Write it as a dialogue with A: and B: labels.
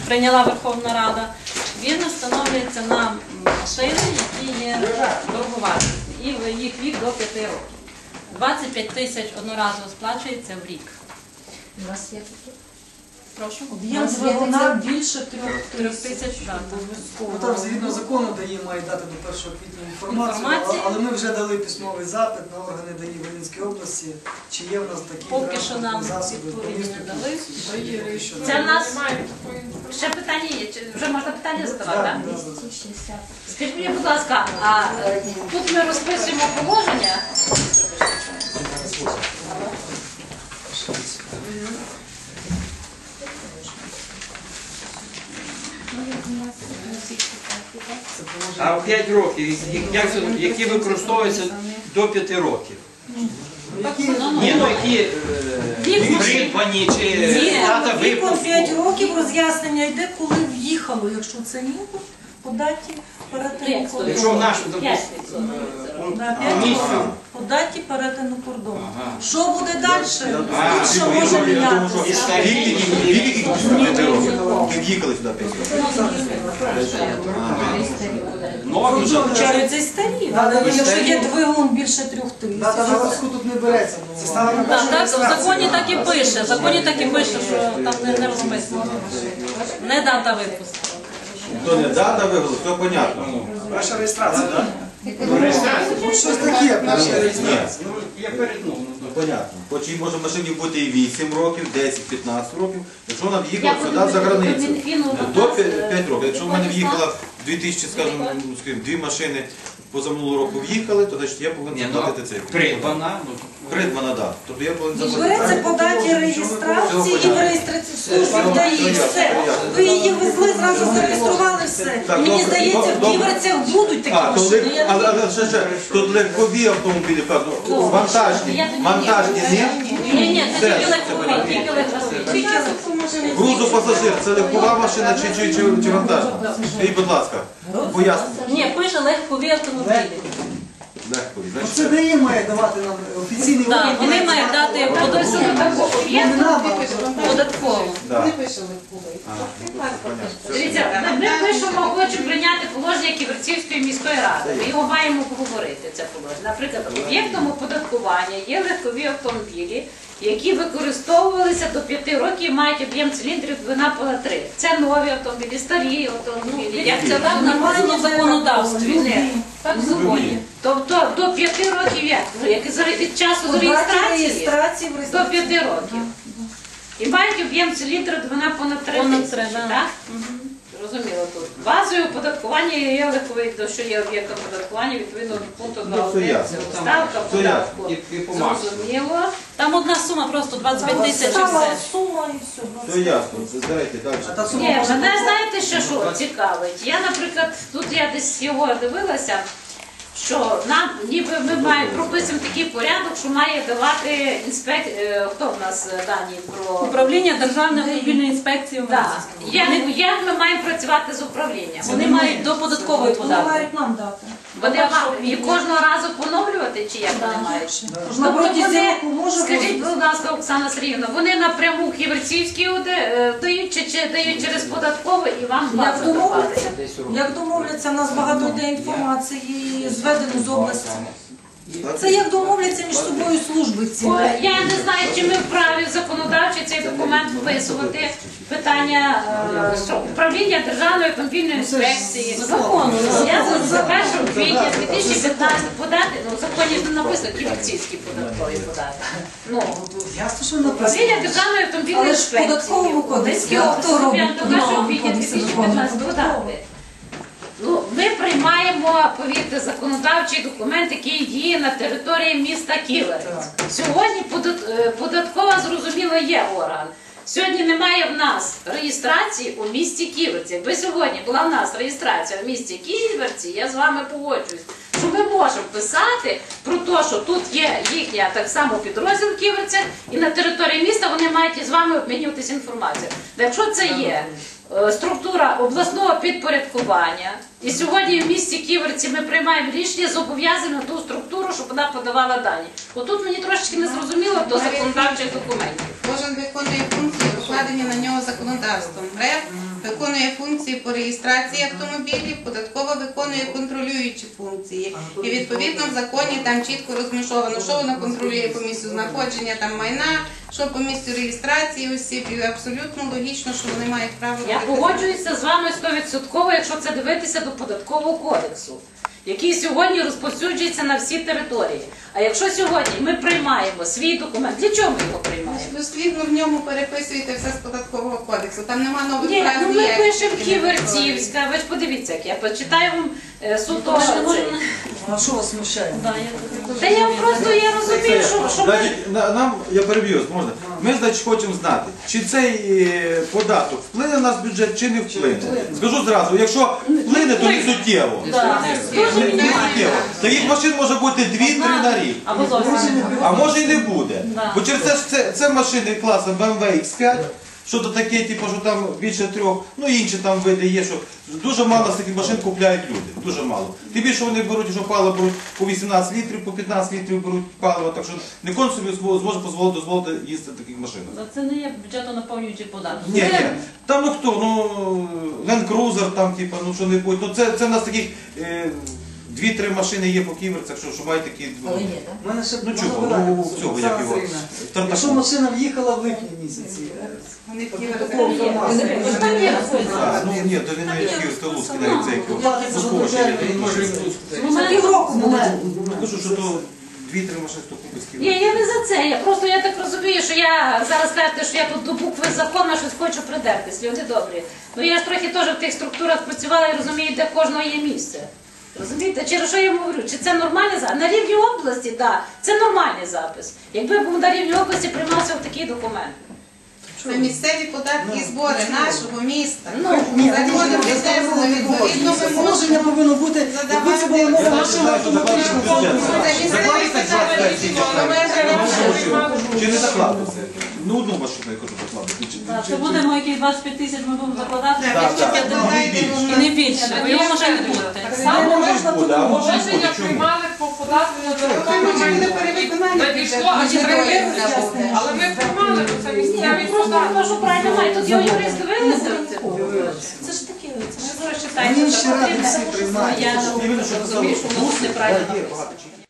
A: прийняла Верховна Рада, він встановлюється на машини, які є дороговартісні, і їх вік до 5 років. 25 тисяч одноразово сплачується в рік.
B: У нас є таке?
A: Прошу?
C: Об'єм двигуна більше 3
A: тисяч, так.
D: Там згідно закону ДАІ має дати до 1 квітня інформацію, але ми вже дали письмовий запит на органи ДАІ Волинської області, чи є в нас такі
A: Поки що нам
D: засоби по
A: відповіді
D: місту.
A: не дали.
B: Це в нас ще питання є. Вже можна питання задавати, так? Скажіть мені, будь ласка, а тут ми розписуємо положення?
E: А в 5 років, які використовуються до 5 років? Ні, ну які придбані чи дата
C: Віком
E: випуску?
C: 5 років роз'яснення йде, коли в'їхало, якщо це імпорт, по даті перетину кордону.
E: Якщо в нашу, допустимо, місцю.
C: По даті перетину кордону. Що буде далі?
E: А,
C: Тут що може мінятися?
E: І старі,
F: Ви в'їхали сюди 5
E: нові вже.
C: Получаються і старі. Якщо є двигун більше 3
D: Дата
C: тисяч.
D: випуску тут не береться. Це стало на першу
A: Так, в
D: реєстрацію.
A: законі так і пише. В законі так і пише, що там не розписано. Не дата випуску.
F: То не дата вигоду, все понятно.
D: Перша реєстрація, так?
E: Реєстрація.
D: Щось таке, перша реєстрація.
E: Ну, я перетнув.
F: Ну, понятно. Хоч і може в машині бути і 8 років, 10-15 років, якщо вона в'їхала сюди за границю. До 5 років. Якщо в мене в'їхала 2000, скажімо, 2 машини позаминулого року в'їхали, то значить я повинен заплатити цей.
E: Придбана.
F: Придбана, так. Тобто я повинен заплатити.
C: Береться по даті реєстрації і в реєстраційній службі ДАІ. Все. Ви її везли, зразу зареєстрували все. І мені здається, в Ківерцях будуть такі машини.
F: Але ще, тут легкові автомобілі, певно, вантажні ні?
A: Ні, це тільки легкові, тільки легкові.
F: Грузопасажир, це легкова машина чи вантажна? Скажіть, будь ласка, поясніть.
A: Ні, пише легкові автомобілі.
F: Легкові,
D: Це ДАІ має давати нам офіційний
A: Так, вони мають дати податково.
B: Дивіться, ми пишемо, хочемо прийняти положення Ківерцівської міської ради. Ми його маємо обговорити, це положення. Наприклад, об'єктом оподаткування є легкові автомобілі, які використовувалися до 5 років і мають об'єм циліндрів двигуна понад 3. Це нові автомобілі, старі автомобілі. Як це
A: Так нормально в законодавстві. Так в законі.
B: Тобто до 5 років як від часу реєстрації до 5 років. І мають об'єм циліндру двигуна понад 3 тисячі, так? Зрозуміло тут. Базою оподаткування є легковий, що є об'єктом оподаткування відповідно до пункту 2.1. Ставка податку. Зрозуміло.
A: Там одна сума просто 25 тисяч і
C: Стала
A: все.
C: сума і все.
F: Все ясно, давайте далі.
B: Ні, мене знаєте, що цікавить? Я, наприклад, тут я десь його дивилася, що нам, ніби ми маємо прописуємо такий порядок, що має давати хто в нас дані про
A: Управління Державної автомобільної інспекції в
B: Так.
A: Мар'їнському.
B: Як ми маємо працювати з управлінням?
A: Вони мають до податкової
C: Вони
A: податку.
C: мають нам дати.
B: Вони і кожного разу поновлювати, чи як вони мають?
C: На протязі року може
B: Скажіть,
C: бути.
B: будь ласка, Оксана Сергіївна, вони напряму Ківерцівській дають чи дають через податкове і вам
C: Як
B: базу давати?
C: домовляться? Як домовляться, у нас багато йде інформації зведено з області. Це як домовляться між собою служби ці.
B: Я не знаю, чи ми вправі законодавчі цей документ вписувати питання управління Державної автомобільної інспекції.
A: Закону.
B: Я за 1 квітня 2015 подати, в законі не написано Ківерцівські податкові податки.
D: Ясно, що написано.
B: Управління Державної автомобільної
C: Але ж в
B: інспекції.
C: податковому кодексі
B: Одеської
C: хто робить?
B: області, до 1 квітня 2015 подати. Ми приймаємо, повірте, законодавчий документ, який діє на території міста Ківерець. Сьогодні податкова, зрозуміло, є орган. Сьогодні немає в нас реєстрації у місті Ківерці. Якби сьогодні була в нас реєстрація в місті Ківерці, я з вами погоджуюсь, що ми можемо писати про те, що тут є їхня так само підрозділ в Ківерцях, і на території міста вони мають із вами обмінюватися інформацією. Якщо це є структура обласного підпорядкування, і сьогодні в місті Ківерці ми приймаємо рішення, зобов'язаємо ту структуру, щоб вона подавала дані. Отут мені трошечки не зрозуміло до законодавчих документів.
G: Кожен виконує функції, покладені на нього законодавством. РЕВ виконує функції по реєстрації автомобілів, податкова виконує контролюючі функції. І відповідно в законі там чітко розмежовано, що вона контролює по місцю знаходження там майна, що по місцю реєстрації осіб. І абсолютно логічно, що вони мають право
B: Я
G: робити.
B: погоджуюся з вами 100%, якщо це дивитися до податкового кодексу, який сьогодні розповсюджується на всі території. А якщо сьогодні ми приймаємо свій документ, для чого ми його приймаємо?
G: Дослідно в ньому переписуєте все з податкового кодексу. Там нема нових
B: Ні,
G: прав
B: ну ми
G: ніяких.
B: пишемо Ківерцівська, ви ж подивіться, як я почитаю вам суто.
D: А що вас смущає?
B: Та я просто я розумію, що ми...
F: Значить, нам, я переб'ю, можна. Ми, значить, хочемо знати, чи цей податок вплине на наш бюджет, чи не вплине. Скажу зразу, якщо вплине, то не суттєво. Не суттєво. Таких машин може бути 2-3 на рік.
A: Або зовсім.
F: А може і не буде.
A: Да.
F: Бо через це машини класу BMW X5, що то таке, типу, що там більше 3, ну інші там види є, що дуже мало з таких машин купляють люди. Дуже мало. Тим більше вони беруть, що паливо беруть по 18 літрів, по 15 літрів беруть паливо, так що не кожен собі зможе дозволити їздити в таких машинах.
A: Це не є бюджетонаповнюючий податок.
F: Ні, ні. Там ну хто, ну Land Cruiser, там, типу, ну що не будь. Ну це в нас таких 2-3 машини є по ківерцях, що мають такі.
D: У мене ще
F: Ну
D: можна
F: чого,
D: питання
F: ну
D: просто,
F: цього, як
D: Оксана
F: його.
D: Сергіївна.
F: Тарtaку.
D: Якщо машина в'їхала в липні місяці,
G: Вони в
D: такого формату.
F: А, ну ні, то він не Київська Луцький, навіть цей
D: Платиться за дотермін.
C: Це півроку було.
F: Кажу, що то 2-3 машини, хто купить з
B: Ні,
F: Києва.
B: я не за це. Я так розумію, що я зараз кажете, що я тут до букви закону щось хочу придертись. Люди добрі. Ну я ж трохи теж в тих структурах працювала і розумію, де в кожного є місце. Розумієте, через що я йому говорю? Чи це нормальний запис? На рівні області, так, це нормальний запис. Якби був на рівні області приймався в такий документ.
G: Це місцеві податки і збори нашого міста.
D: Ні,
G: Законом підтримано, відповідно ми
D: положення
G: можемо
D: повинно бути, якби це була нова машина, автоматично
F: Чи не закладується? Ну одну машину я хочу закладати.
A: Це будемо якісь 25 тисяч ми будемо закладати,
F: Так,
A: і не більше, бо його може не бути.
F: ну, може ж буде, а може не буде.
H: Рішення
F: Чому?
H: приймали по податку на
G: буде перевиконання
H: надійшло, а чи перевиконання буде? Але ми приймали, бо це місцеві
B: Просто
H: податки.
B: кажу правильно, має тут його юрист дивилися.
C: Це ж таке.
B: Ви читайте,
D: Інші
B: це
D: ради
B: потрібно.
D: всі приймають.
A: Я
F: Іменно, що
A: розумію, що воно неправильно
F: є
A: написано.
F: багато чого.